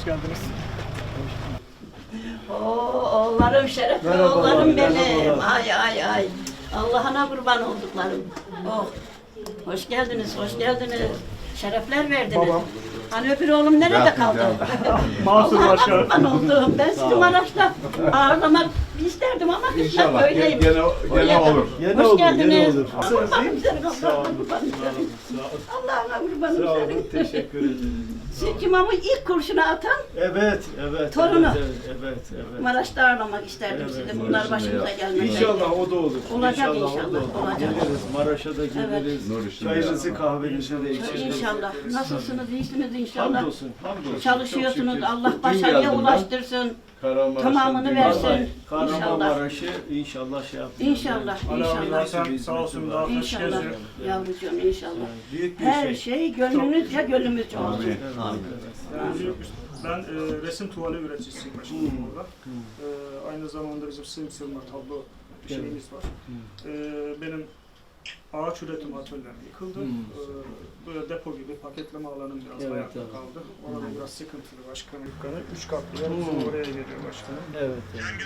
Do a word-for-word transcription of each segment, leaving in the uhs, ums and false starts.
geldiniz. Oo, oğullarım, şerefli Merhabalar, oğullarım benim. merhabalar. Ay ay ay. Allah'ına kurban olduklarım. Oh. Hoş geldiniz, hoş geldiniz. Şerefler verdiniz. Babam. Hani öbür oğlum nerede kaldı? Mahsur Allah'ına Başkanım. kurban oldum. Ben sizi Maraş'ta ağırlamak isterdim ama kısmet İnşallah böyleymiş. gene, gene olur. Yine Hoş olur, geldiniz. yine olur. Kurbanım senin, Sağ Allah'ına olun. kurbanım senin. Allah'ına kurbanım Sağ olun, senin. teşekkür ederim. Siz imamın ilk kurşunu atan Evet, evet. Torunu. Evet, evet, evet. Maraş'ta ağırlamak isterdim Evet, sizi. Bunlar başımıza gelmez. İnşallah o da olur. Olacak o da inşallah, olur. olacak. Geliriz, Maraş'a da geliriz. Nur işinde Çayınızı ya. kahvenizi de içeriz. İnşallah. Nasılsınız? İyisiniz inşallah. Hamdolsun, hamdolsun. Çalışıyorsunuz. Çok şükür. Allah Dün başarıya geldim ben. ulaştırsın. Kahramanmaraş'tan Tamamını dün versin. geldim. Kahramanmaraş'ı inşallah şey yapacağız. İnşallah, Yani. inşallah. Zaten sağ olsun daha taş İnşallah. geziyor. Yavrucuğum inşallah. Büyük bir Her şey. şey gönlünüzce gönlümüzce olsun. Amin. Amin. Ben e, resim tuvali üreticisiyim başkanım burada. E, aynı zamanda bizim sığım sığınma tablo şeyimiz var. E, benim ağaç üretim atölyem yıkıldı. E, böyle depo gibi paketleme alanım biraz Evet, ayakta evet. kaldı. Orada biraz sıkıntılı başkanım. Dükkanı üç katlı yer bizim oraya geliyor başkanım. Evet, evet.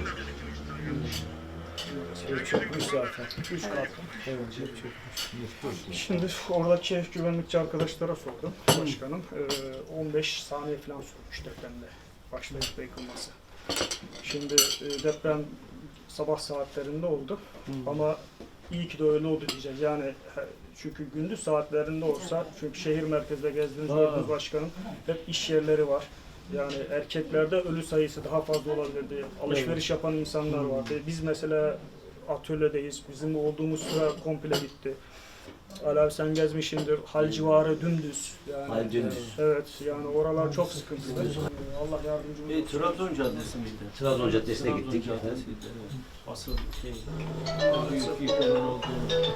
Şey çökmüş zaten. Üç katlı. Evet, çok çökmüş. Şimdi oradaki güvenlikçi arkadaşlara sordum başkanım. Ee, on beş saniye falan sürmüş depremde başlayıp da yıkılması. Şimdi e, deprem sabah saatlerinde oldu ama iyi ki de öyle oldu diyeceğiz. Yani he, çünkü gündüz saatlerinde olsa, çünkü şehir merkezde gezdiğiniz gördüğünüz başkanım hep iş yerleri var. Yani erkeklerde ölü sayısı daha fazla olabilirdi. Alışveriş yapan insanlar vardı. Biz mesela atölyedeyiz. Bizim olduğumuz süre komple bitti. Ali abi sen gezmişsindir. Hal civarı dümdüz. Yani, Hal dümdüz. Evet yani oralar çok sıkıntılı. Allah yardımcımız E, olsun. Trabzon Caddesi miydi? Trabzon Caddesi'ne Trabzon gittik. Caddesi'ydi, evet. Asıl şey, büyük yıkımın olduğu yerde.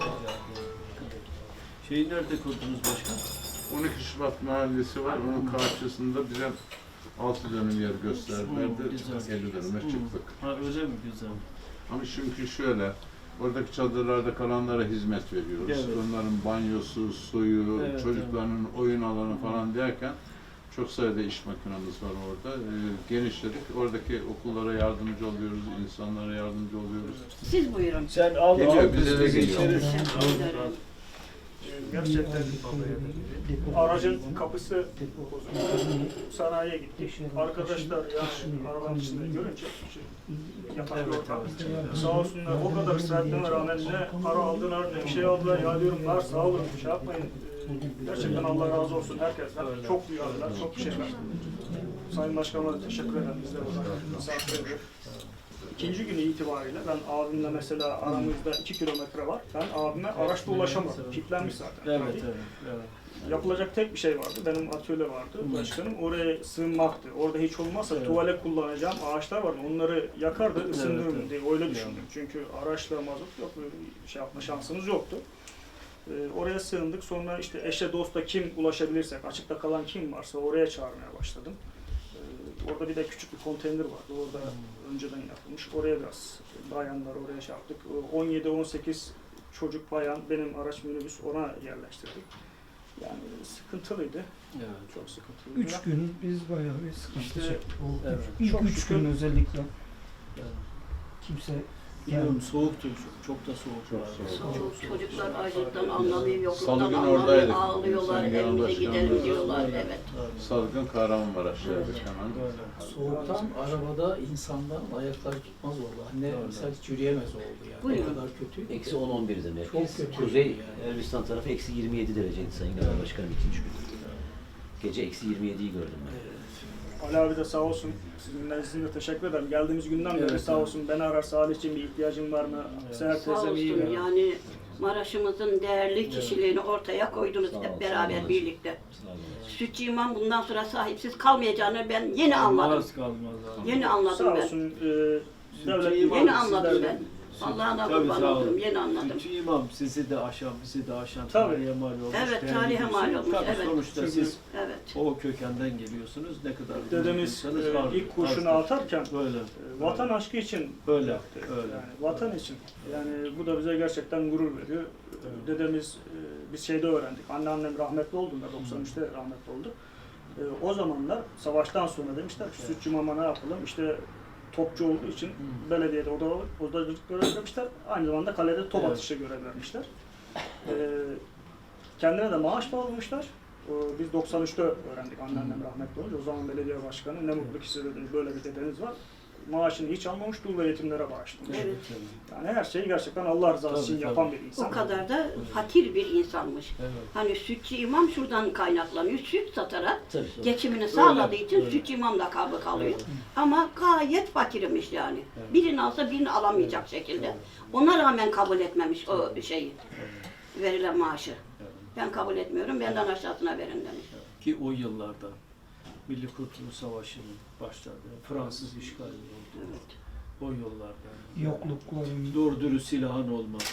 Şeyi nerede kurdunuz başkan? on iki Şubat mahallesi var. Onun karşısında bize altı dönüm yer gösterdilerdi. Hmm, güzel. elli dönüme çıktık. Ha öyle mi? Güzel. Ama çünkü şöyle, oradaki çadırlarda kalanlara hizmet veriyoruz. Evet. Onların banyosu, suyu, Evet, çocuklarının oyun alanı falan derken çok sayıda iş makinamız var orada. Ee, genişledik. Oradaki okullara yardımcı oluyoruz, insanlara yardımcı oluyoruz. Siz buyurun. Sen al, Geliyor, al, bize de biz geliyor. içeriz. Teşekkür ederim. Gerçekten aracın kapısı bozuldu. Sanayiye gittik. Arkadaşlar yani arabanın içinde görünce yatak Evet, ortam. evet. Sağ olsunlar o kadar ısrarlarına rağmen ne para aldılar ne bir şey aldılar. Ya diyorum var sağ olun şey yapmayın. Ee, Gerçekten Allah razı olsun herkesten. Çok duyarlılar, çok bir şeyler. Sayın Başkanıma da teşekkür ederim. Bizler olarak misafir ediyor. İkinci günü itibariyle ben abimle mesela aramızda iki kilometre var. Ben abime araçla ulaşamadım. Kilitlenmiş zaten. Evet, evet, evet. Yapılacak tek bir şey vardı. Benim atölye vardı başkanım. Oraya sığınmaktı. Orada hiç olmazsa Evet. tuvale kullanacağım ağaçlar vardı. Onları yakardı, ısındırırım evet. diye öyle düşündüm. Çünkü araçla mazot yok, bir şey yapma şansımız yoktu. Ee, oraya sığındık. Sonra işte eşe dosta kim ulaşabilirsek, açıkta kalan kim varsa oraya çağırmaya başladım. Ee, orada bir de küçük bir konteyner vardı. Orada önceden yapılmış. Oraya biraz bayanlar oraya şey yaptık. on yedi on sekiz çocuk bayan benim araç minibüs ona yerleştirdik. Yani sıkıntılıydı. Evet. Çok sıkıntılıydı. Üç gün biz bayağı bir sıkıntı İşte, çektik. O evet. İlk Çok üç şükür. gün özellikle Evet. kimse Biliyorum soğuktu, çok, çok da soğuk. Çok vardı. soğuk. Çok çocuklar acılıktan anlamıyor, yokluktan Salı günü anlamıyor, oradaydık. ağlıyorlar, Sayın Genel evimize Başkanım. gidelim diyorlar. Evet. Salgın Kahramanmaraş'taydık hemen. Böyle. Soğuktan arabada insanların ayakları tutmaz oldu. Anne Doğru. mesela hiç yürüyemez oldu yani. Buyurun. O kadar kötü. Eksi on on birdi merkez. Çok kötü Kuzey yani. Elbistan tarafı eksi yirmi yedi dereceydi Sayın Genel Başkanım ikinci gün. Gece eksi yirmi yediyi gördüm ben. Ali abi de sağ olsun. Sizin nezdinizde teşekkür ederim. Geldiğimiz günden beri Evet, sağ evet. olsun. Beni arar Salih'ciğim bir ihtiyacın var mı? Evet. Seher Sağ teyzem iyi olsun mi? yani Maraş'ımızın değerli kişiliğini ortaya koydunuz Sağ ol, hep sağ beraber olun. birlikte. Sağ olun. Sütçü İmam bundan sonra sahipsiz kalmayacağını ben yeni anladım. Kalmaz kalmaz abi. Yeni anladım Sağ ben. olsun. E, devlet imam, Yeni anladım sizlerle- ben. Allah'ına Tabii, kurban sağ olun. oldum, yeni anladım. Sütçü imam sizi de aşan, bizi de aşan Tabii. tarihe mal olmuş. Evet, değerli tarihe mal diyorsunuz. olmuş, Tabii evet. sonuçta Çünkü siz Evet. o kökenden geliyorsunuz. Ne kadar Dedemiz büyükseniz e, vardır, ilk kurşunu azdır. atarken Böyle. e, vatan aşkı için Öyle, yaptı. öyle. Yani vatan için. Yani bu da bize gerçekten gurur veriyor. Dedemiz e, biz şeyde öğrendik. Anneannem rahmetli olduğunda doksan üçte rahmetli oldu. E, o zamanlar savaştan sonra demişler ki sütçü mama ne yapalım? İşte topçu olduğu için Hmm. belediyede oda, odacılık görev vermişler. Aynı zamanda kalede top Evet. atışı görev vermişler. E, kendine de maaş bağlamışlar. O, biz doksan üçte öğrendik anneannem rahmetli olunca. O zaman belediye başkanı ne mutlu ki size dedi, böyle bir dedeniz var. Maaşını hiç almamış, dul ve yetimlere bağışlamış. Evet. Yani her şeyi gerçekten Allah rızası Tabii, için tabii. yapan bir insan. O kadar da fakir bir insanmış. Evet. Hani sütçü imam şuradan kaynaklanıyor. Süt satarak Tabii tabii. geçimini sağladığı için öyle. sütçü imam lakabı kalıyor. Evet. Ama gayet fakirmiş yani. Evet. Birini alsa birini alamayacak şekilde. Ona rağmen kabul etmemiş o şeyi, verilen maaşı. Evet. Ben kabul etmiyorum, benden aşağısına verin demiş. Ki o yıllarda Milli Kurtuluş Savaşı'nın başladı. Fransız işgali oldu. Evet. O yıllarda. yoklukların Doğru dürüst silahın olmadı.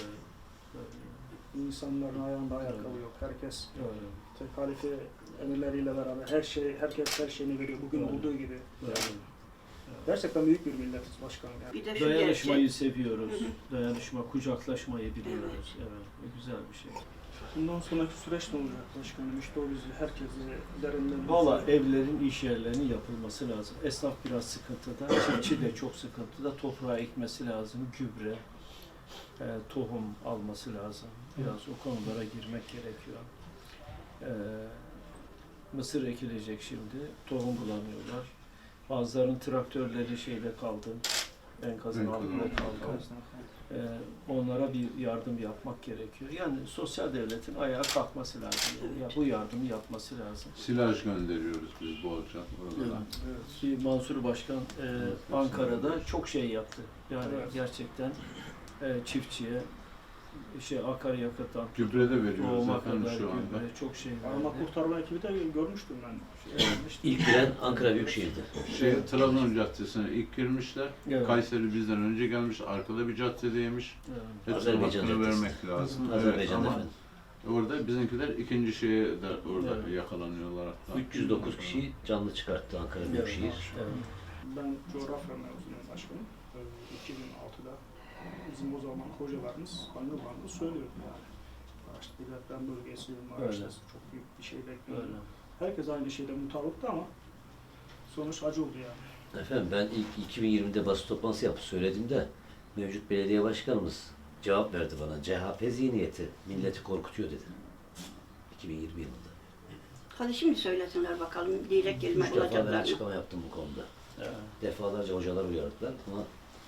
İnsanların ayağında ayakkabı yok. Herkes Öyle. tek halife emirleriyle beraber her şey, herkes her şeyini veriyor. Bugün Evet. olduğu gibi. Öyle. Gerçekten büyük bir milletiz başkanım yani. Bir de şu Dayanışmayı gerçek, seviyoruz. Hı hı. Dayanışma, kucaklaşmayı biliyoruz. Evet. Bu güzel bir şey. Bundan sonraki süreç ne olacak başkanım? İşte o bizi, herkesi derinden... Valla evlerin, iş yerlerinin yapılması lazım. Esnaf biraz sıkıntıda, çiftçi de çok sıkıntıda. Toprağa ekmesi lazım, gübre, e, tohum alması lazım. Biraz o konulara girmek gerekiyor. E, mısır ekilecek şimdi, tohum bulamıyorlar. Bazılarının traktörleri şeyde kaldı, enkazın Enkazın altında altında kaldı. Ee, onlara bir yardım yapmak gerekiyor. Yani sosyal devletin ayağa kalkması lazım. Ya bu yardımı yapması lazım. Silaj gönderiyoruz biz bolca oralara. Evet. Ki Mansur Başkan e, Ankara'da çok şey yaptı. Yani Evet. gerçekten e, çiftçiye şey akaryakıttan Gübre de veriyoruz tohuma efendim kadar şu anda. gübre, çok şey Arama verdi. kurtarma ekibi de görmüştüm ben. Şey, yapmıştım. İlk giren Ankara Büyükşehir'di. Şey, Trabzon Caddesi'ne ilk girmişler. Evet. Kayseri bizden önce gelmiş, arkada bir caddedeymiş. Evet. Hepsine Azerbaycan hakkını Caddesi. vermek lazım. Evet, Azerbaycan'da ama efendim. orada bizimkiler ikinci şeye de orada Evet. yakalanıyorlar hatta. üç yüz dokuz kişi canlı çıkarttı Ankara Büyükşehir. Evet. Ben coğrafya mezunuyum başkanım. Ee, iki bin altıda bizim o zaman hocalarımız, anılarımız söylüyordu yani. Maraş'ta bir deprem bölgesi, Maraş'ta Öyle. çok büyük bir şey bekliyordu. Öyle. Herkes aynı şeyde mutabıktı ama sonuç acı oldu yani. Efendim ben ilk iki bin yirmide basın toplantısı yapıp söylediğimde mevcut belediye başkanımız cevap verdi bana. C H P zihniyeti milleti korkutuyor dedi. iki bin yirmi yılında. Hadi şimdi söylesinler bakalım diyecek kelime Üç defa ben bulacaklar mı? açıklama yaptım bu konuda. Evet. Defalarca hocalar uyardılar ama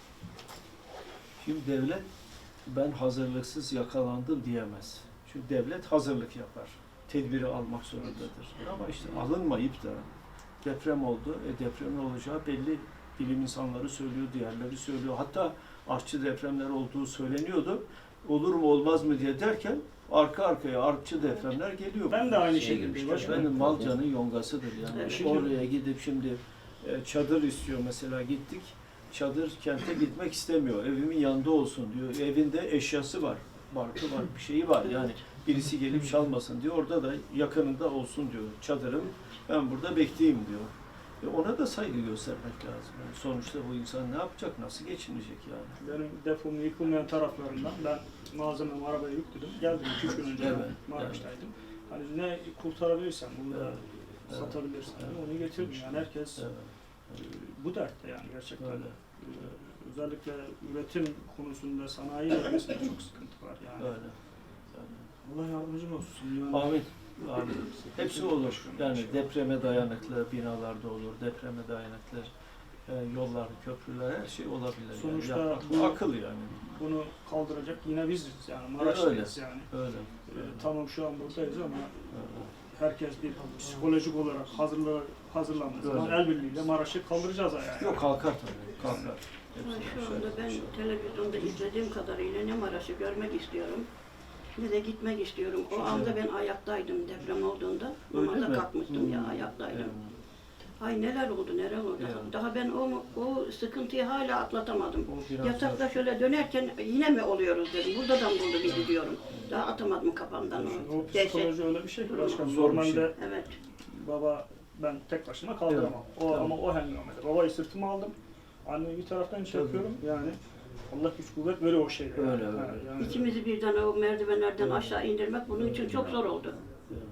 Şimdi devlet ben hazırlıksız yakalandım diyemez. Çünkü devlet hazırlık yapar. Tedbiri almak zorundadır. Ama işte alınmayıp da deprem oldu. E depremin olacağı belli. Bilim insanları söylüyor, diğerleri söylüyor. Hatta artçı depremler olduğu söyleniyordu. Olur mu olmaz mı diye derken arka arkaya artçı depremler geliyor. Ben de aynı Şeye şekilde girmişler. başkanım. Efendim Malca'nın yongasıdır yani. Evet. Şimdi- Oraya gidip şimdi e, çadır istiyor mesela gittik. Çadır kente gitmek istemiyor. Evimin yanında olsun diyor. Evinde eşyası var. Barkı var, bir şeyi var. Yani birisi gelip çalmasın diyor. Orada da yakınında olsun diyor. Çadırım ben burada bekleyeyim diyor. E ona da saygı göstermek lazım. Yani sonuçta bu insan ne yapacak, nasıl geçinecek yani? Benim depomun yıkılmayan taraflarından ben malzememi arabaya yükledim. Geldim iki üç gün önce Evet, Maraş'taydım. Hani ne kurtarabilirsem, bunu da Evet, evet, satabilirsem evet. onu getirdim. Yani herkes Evet, e, bu dertte yani gerçekten. öyle. E, Özellikle üretim konusunda sanayi bölgesinde çok sıkıntı var yani. Öyle. öyle. Allah yardımcın olsun. Yani. Amin. Amin. Hepsi olur. Yani depreme dayanıklı binalarda olur, depreme dayanıklı e, yollar, köprüler, her şey olabilir. Sonuçta yani. Yapmak- bu- akıl yani. Bunu kaldıracak yine biziz yani Maraş'tayız yani. Öyle. E, tamam şu an buradayız ama öyle. herkes bir psikolojik olarak hazırla, hazırlandığı zaman Öyle. el birliğiyle Maraş'ı kaldıracağız ayağa. Yok kalkar tabii. Kalkar. Ama Hepsi şu şöyle anda ben bir şey. televizyonda izlediğim kadarıyla ne Maraş'ı görmek istiyorum ne de gitmek istiyorum. O Güzel. anda ben ayaktaydım deprem olduğunda. Öyle Namaza mi? kalkmıştım ya Hmm. ayaktaydım. Evet. Ay neler oldu neler oldu. Evet. Daha ben o, o sıkıntıyı hala atlatamadım. O biraz Yatakta zor. şöyle dönerken yine mi oluyoruz dedim. Burada da mı buldu bizi diyorum. Daha atamadım kafamdan O o dehşet. psikoloji öyle bir şey ki başkan. Zor bir Normalde şey. Evet. baba ben tek başıma kaldıramam. O Tamam. ama o hengamede. Babayı sırtıma aldım. Anneyi bir taraftan çekiyorum. Yani Allah güç kuvvet veriyor o şeyde. Öyle, yani. öyle. Ha, yani İkimizi birden o merdivenlerden aşağı indirmek bunun için çok zor oldu.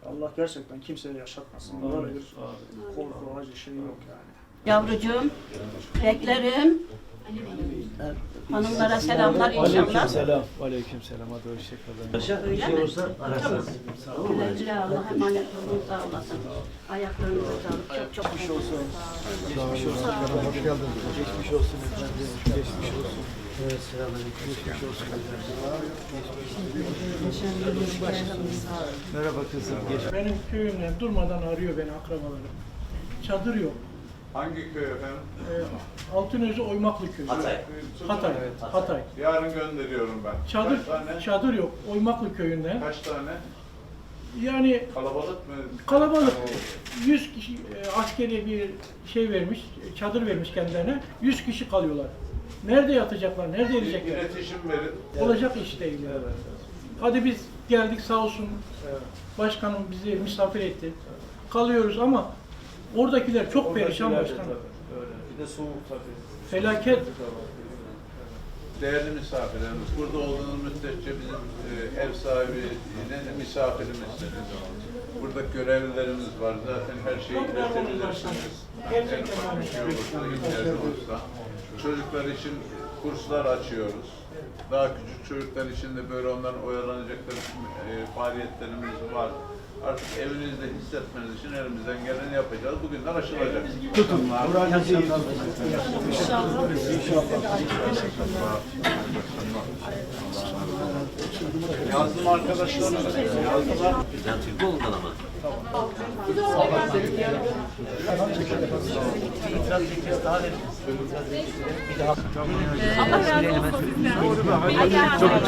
Allah gerçekten kimseye yaşatmasın. Amin. Böyle bir korku, acı şey yok yani. Yavrucuğum, beklerim. Hanımlara selamlar inşallah. Aleykümselam. Aleykümselam. Hadi hoşçakalın. Paşa bir şey olsa ararsınız. Tamam mı? Güle güle Allah'a emanet olun, sağ olasın. Ayaklarınıza sağlık, çok çok geçmiş olsun. Geçmiş olsun. Hoş geldiniz. Geçmiş olsun efendim. Geçmiş olsun. Evet, selamünaleyküm. Geçmiş olsun. Merhaba kızım. Geç. Benim köyümden durmadan arıyor beni akrabalarım. Çadır yok. Hangi köy efendim? Ee, Altınözü Oymaklı köyü. Hatay. Hatay. Hatay. Yarın gönderiyorum ben. Çadır Kaç tane? çadır yok. Oymaklı köyünden. Kaç tane? Yani Kalabalık mı? kalabalık. yüz kişi e, askeri bir şey vermiş, çadır vermiş kendilerine. yüz kişi kalıyorlar. Nerede yatacaklar? Nerede Bir yiyecekler? iletişim verin. Olacak iş değil. Yani. Hadi biz geldik sağ olsun. Başkanım bizi misafir etti. Kalıyoruz ama oradakiler çok perişan başkanım. Bir de soğuk tabii. Felaket. Değerli misafirlerimiz, burada olduğunuz müddetçe bizim e, ev sahibi, ne de misafirimizsiniz. Burada görevlilerimiz var. Zaten her şeyi Çok memnunum iletebilirsiniz. başkanım. Gerçekten En ufak bir şey olursa, ihtiyaç olursa. Çocuklar için kurslar açıyoruz. Daha küçük çocuklar için de böyle onların oyalanacakları e, faaliyetlerimiz var. Artık evinizde hissetmeniz için elimizden geleni yapacağız. Bugünler aşılacak. Tutun. Moralinizi iyi tutun. Yazdım arkadaşlarına. Yazdılar. Bizden Türkoğlu'ndan ama. Allah razı olsun sizden.